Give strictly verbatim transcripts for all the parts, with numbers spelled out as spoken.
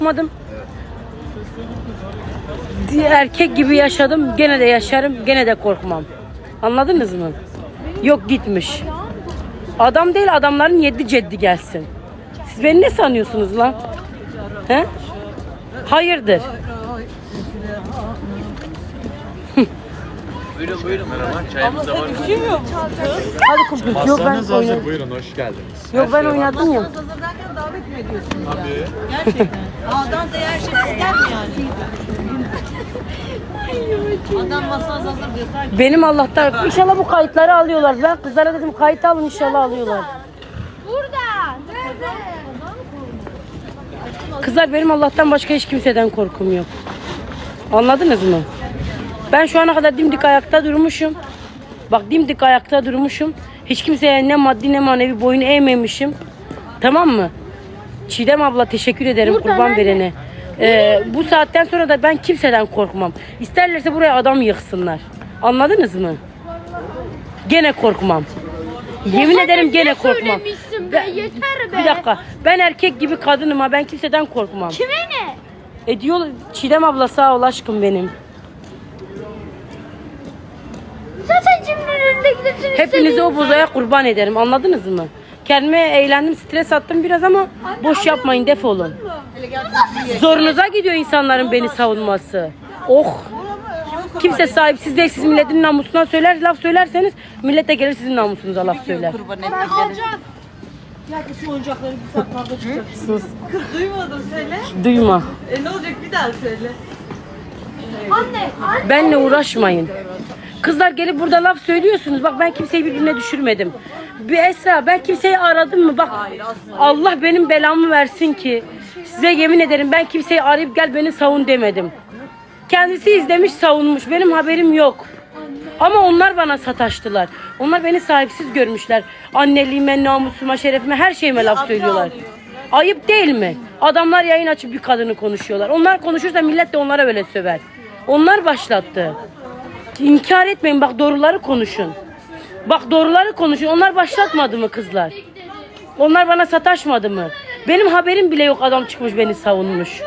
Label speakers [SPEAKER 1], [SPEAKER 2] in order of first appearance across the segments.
[SPEAKER 1] korkmadım. Erkek gibi yaşadım. Gene de yaşarım. Gene de korkmam. Anladınız mı? Yok gitmiş. Adam değil, adamların yedi ceddi gelsin. Siz beni ne sanıyorsunuz lan? He? Hayırdır?
[SPEAKER 2] Buyurun buyurun. Merhaba. Çayımız da var.
[SPEAKER 1] Hadi kumpiz. Yok ben
[SPEAKER 3] Masanız hazır.
[SPEAKER 1] oynadım.
[SPEAKER 3] Buyurun hoş geldiniz.
[SPEAKER 1] Yok ben oynadım ya.
[SPEAKER 4] Masanız hazır derken davet mi ediyorsunuz
[SPEAKER 3] Tabii.
[SPEAKER 4] yani? Gerçekten. A'dan Z'ye her şey sizden mi yani? Adam masanız hazır diyor. Sanki
[SPEAKER 1] Benim Allah'tan inşallah bu kayıtları alıyorlar. Ben kızlara dedim kayıt alın, inşallah alıyorlar.
[SPEAKER 5] Burada. Nerede?
[SPEAKER 1] Kızlar benim Allah'tan başka hiç kimseden korkum yok. Anladınız mı? Ben şu ana kadar dimdik ayakta durmuşum. Bak dimdik ayakta durmuşum. Hiç kimseye ne maddi ne manevi boyun eğmemişim. Tamam mı? Çiğdem abla teşekkür ederim kurban verene. Ee, bu saatten sonra da ben kimseden korkmam. İsterlerse buraya adam yıksınlar. Anladınız mı? Gene korkmam. Yemin ederim gene korkmam.
[SPEAKER 5] Söylemişsin be, yeter be.
[SPEAKER 1] Bir dakika. Ben erkek gibi kadınım ha. Ben kimseden korkmam.
[SPEAKER 5] Kime ne?
[SPEAKER 1] E diyor Çiğdem abla sağ ol aşkım benim.
[SPEAKER 5] Zaten cimrinin önünde gidesin.
[SPEAKER 1] Hepinizi o bozaya kurban ederim. Anladınız mı? Kendime eğlendim, stres attım biraz ama boş yapmayın, defolun. Zorunuza gidiyor insanların beni savunması. Oh! Kimse sahipsiz değil. Siz milletin namusuna söyler, laf söylerseniz millet de gelir sizin namusunuza laf söyler.
[SPEAKER 4] kurban ettikleri. Ya şu oyuncakları bir saat kavga çıkacak.
[SPEAKER 1] Sus.
[SPEAKER 4] Duymadım söyle.
[SPEAKER 1] Duyma.
[SPEAKER 4] E ne olacak bir daha söyle.
[SPEAKER 5] Anne, anne.
[SPEAKER 1] Benle uğraşmayın. Kızlar gelip burada laf söylüyorsunuz. Bak ben kimseyi birbirine düşürmedim. Bir Esra, ben kimseyi aradım mı? Bak Allah benim belamı versin ki size yemin ederim ben kimseyi arayıp gel beni savun demedim. Kendisi izlemiş, savunmuş. Benim haberim yok. Ama onlar bana sataştılar. Onlar beni sahipsiz görmüşler. Anneliğime, namusuma, şerefime, her şeyime laf söylüyorlar. Ayıp değil mi? Adamlar yayın açıp bir kadını konuşuyorlar. Onlar konuşursa millet de onlara böyle söver. Onlar başlattı. İnkar etmeyin, bak doğruları konuşun. Bak doğruları konuşun. Onlar başlatmadı mı kızlar? Onlar bana sataşmadı mı? Benim haberim bile yok, adam çıkmış beni savunmuş.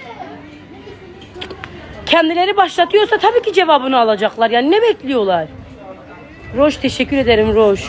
[SPEAKER 1] Kendileri başlatıyorsa tabii ki cevabını alacaklar. Yani ne bekliyorlar? Roş teşekkür ederim Roş.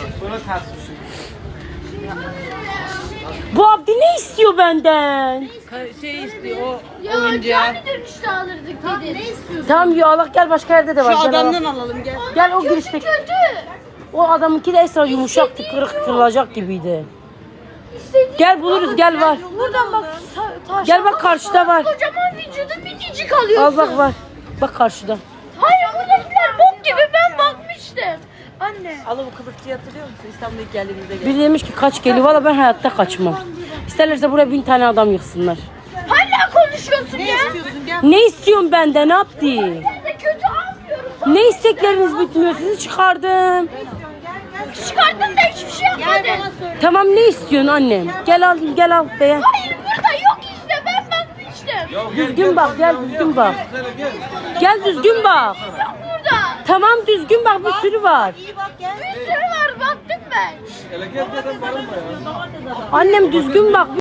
[SPEAKER 1] Bu Abdi ne istiyor benden?
[SPEAKER 4] Şey istiyor o
[SPEAKER 5] Ya
[SPEAKER 4] oyuncağı.
[SPEAKER 5] cami dönüşte alırdık dedi. Ne istiyorsun?
[SPEAKER 1] Tamam ya Allah gel, başka yerde de var.
[SPEAKER 4] Şu
[SPEAKER 1] Gel,
[SPEAKER 4] adamdan
[SPEAKER 1] al.
[SPEAKER 4] alalım gel.
[SPEAKER 1] Gel o girişteki.
[SPEAKER 5] Kötü.
[SPEAKER 1] O adamınki de Esra yumuşaktı, kırık kırılacak gibiydi.
[SPEAKER 5] İstediğin
[SPEAKER 1] Gel buluruz, gel var.
[SPEAKER 5] buradan bak. Ta taş.
[SPEAKER 1] Gel bak karşıda var.
[SPEAKER 5] Kocaman vücudu minicik alıyorsun.
[SPEAKER 1] Al bak var. Bak karşıda.
[SPEAKER 5] Hayır buradakiler bok gibi, ben bakmıştım. Anne.
[SPEAKER 4] Allah bu kılıfçıyı hatırlıyor musun? İstanbul'a ilk geldiğimizde gel.
[SPEAKER 1] Biri demiş ki kaç geliyor. Valla ben hayatta kaçmam. İsterlerse buraya bin tane adam yıksınlar.
[SPEAKER 5] Hala konuşuyorsun
[SPEAKER 4] Ne
[SPEAKER 5] ya.
[SPEAKER 4] istiyorsun gel.
[SPEAKER 1] Ne istiyorsun benden? Ne yaptı?
[SPEAKER 5] Ben de kötü almıyorum.
[SPEAKER 1] Ne istekleriniz bitmiyor? Sizi çıkardım.
[SPEAKER 5] Çıkardın da hiçbir şey yapmadın.
[SPEAKER 1] Tamam ne istiyorsun annem? Gel al, gel al beğen.
[SPEAKER 5] Hayır burada yok işte, ben bakmıştım.
[SPEAKER 1] Düzgün bak, gel düzgün bak. Gel düzgün bak.
[SPEAKER 5] Yok burada.
[SPEAKER 1] Tamam düzgün bak, bir sürü var.
[SPEAKER 4] İyi bak gel.
[SPEAKER 5] Bir sürü var, baktım ben.
[SPEAKER 1] Annem düzgün bak.